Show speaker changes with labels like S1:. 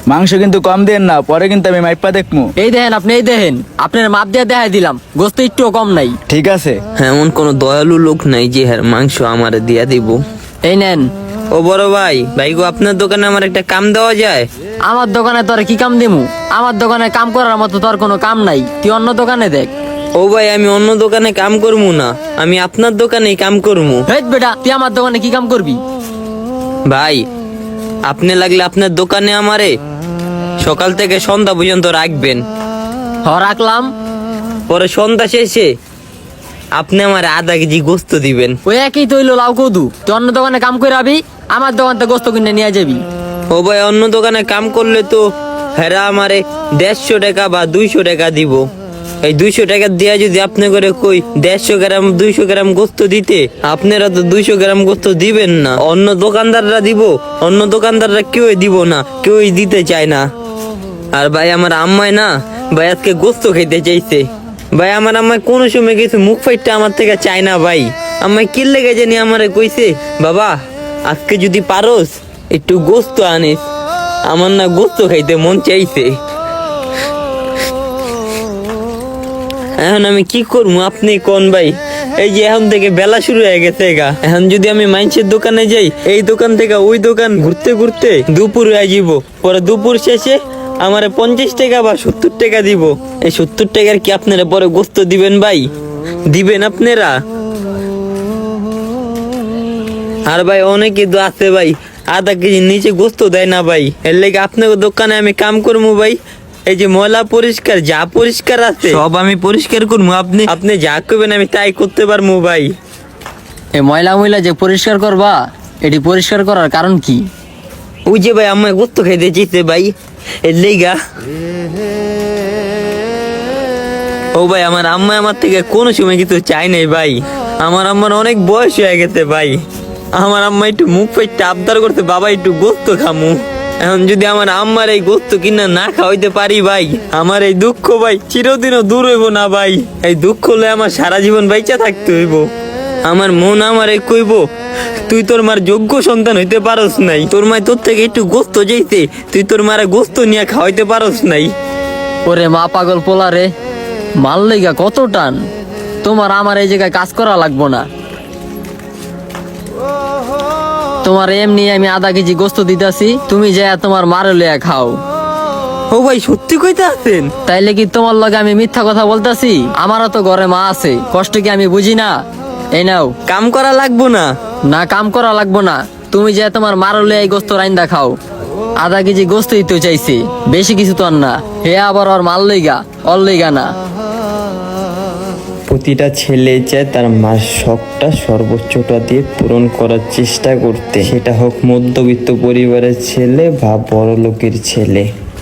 S1: মাংস কিন্তু কম দেন না, পরে কিন্তু আমি মাইপা দেখমু।
S2: এই দেখেন আপনি, এই দেখেন আপনার মাপ দিয়ে দেখাই দিলাম, গোস্ত একটুও কম নাই।
S1: ঠিক আছে।
S3: এমন কোন দয়ালু লোক নাই যে হ্যাঁ মাংস আমারে দিয়া দিব।
S2: এই নেন।
S3: ও বড় ভাই, ভাই গো আপনার দোকানে আমার একটা কাম দেওয়া যায়?
S2: আমার দোকানে তোর কি কাম দিমু? আমার দোকানে কাম করার মতো তোর কোনো কাম নাই, তুই অন্য দোকানে দেখ।
S3: ও ভাই, আমি অন্য দোকানে কাম করবো না, আমি আপনার দোকানেই কাম করবো।
S2: হেট বেটা, তুই আমার দোকানে কি কাম করবি?
S3: ভাই, আপনি লাগলে আপনার দোকানে আমারে সকাল থেকে সন্ধ্যা পর্যন্ত রাখবেন।
S2: রাখলাম।
S3: পরে সন্ধ্যা শেষে আপনি আমার আধা কেজি গোস্ত দিবেন।
S2: ওই একই তো হইলো লাউ কদু, তুই অন্য দোকানে কাম করে আবি, আমার দোকান থেকে গোস্ত কিনে নিয়ে যাবি।
S3: ও ভাই, অন্য দোকানে কাম করলে তো হেরা আমারে 150 টাকা বা 200 টাকা দিব। এই 200 টাকা দিয়া যদি আপনি করে কই 150 গ্রাম 200 গ্রাম গোস্ত দিতে, আপনারা তো 200 গ্রাম গোস্ত দিবেন না, অন্য দোকানদাররা দিব। অন্য দোকানদাররা কেউই দিব না, কেউই দিতে চায় না। আর ভাই আমার আম্মাই না ভাই আজকে গোস্ত খেতে চাইছে। ভাই আমার আম্মাই কোনো সময় কিছু মুখ ফাইটটা আমার থেকে চায় না। ভাই আম্মাই কি লেগে জানি আমারে কইছে, বাবা আজকে যদি পারোস একটু গোস্ত আনিস, আমার না গোস্ত খাইতে মন চাইছে। এখন আমি কি করবো আপনি কোন ভাই? এই যে এখন থেকে বেলা শুরু হয়ে গেছে গা, এখন যদি আমি মাইন্সের দোকানে যাই, এই দোকান থেকে ওই দোকান ঘুরতে ঘুরতে দুপুর হয়ে যাব। পরে দুপুর শেষে আমারে 50 টাকা বা 70 টাকা দিব। এই 70 টাকার কি আপনারা পরে গোস্ত দিবেন ভাই? দিবেন আপনারা? আর ভাই অনেকে তো আছে ভাই আধা কেজির নিচে গোস্ত দেয় না ভাই। এর লেগে আপনার দোকানে আমি কাম করবো ভাই। এই যে ময়লা পরিষ্কার যা পরিষ্কার আছে সব আমি পরিষ্কার করবো। আপনি যা করবেন আমি তাই করতে পারবো ভাই।
S2: এই ময়লা ময়লা যে পরিষ্কার করবা, এটি পরিষ্কার করার কারণ কি?
S3: ওই যে ভাই আমার গোস্ত খাইতে চাইছে ভাই, এর লেগা। ও ভাই, আমার আম্মা আমার থেকে কোনো সময় কিছু চাই নাই ভাই। আমার আম্মার অনেক বয়স হয়ে গেছে ভাই। আমার আম্মা একটু মুখ ফাইটটা আবদার করতে, বাবা একটু গোস্ত খামু। এখন যদি আমার আম্মার এই গোস্ত কিনা না খাওয়াইতে পারি ভাই, আমার এই দুঃখ ভাই চিরদিনও দূর হইব না ভাই। এই দুঃখ হলে আমার সারা জীবন বাইচা থাকতে হইব। আমার মন আমারে কইব, তুই তোর মার যোগ্য সন্তান হইতে পারস নাই, তোর মায় তোর থেকে একটু গোস্ত যাইতে, তুই তোর মারে গোস্ত নিয়ে খাওয়াইতে পারস নাই।
S2: ওরে মা পাগল পোলা রে, মাল লইগা কত টান। তোমার আমার এই জায়গায় কাজ করা লাগবো না, তোমার এমনি আমি আধা কেজি গোস্ত দিতাছি, তুমি যা তোমার মারে লইয়া খাও।
S3: ও ভাই, সত্যি কইতে আছেন?
S2: তাইলে কি তোমার লগে আমি মিথ্যা কথা বলতাছি? আমারও তো ঘরে মা আছে, কষ্ট কি আমি বুঝি না? এই নাও।
S3: কাম করা লাগবো না?
S2: না, কাম করা লাগবো না, তুমি যে তোমার মারে লইয়া এই গোস্ত রাইন্দা খাও। আধা কেজি গোস্তই তো চাইছি, বেশি কিছু তো আর না। হে আবার ওর মাল লইগা, অর লইগা না।
S4: প্রতিটা ছেলে চায় তার মার শখটা সর্বোচ্চটা দিয়ে পূরণ করার চেষ্টা করতে, সেটা হোক মধ্যবিত্ত পরিবারের ছেলে বা বড় লোকের ছেলে।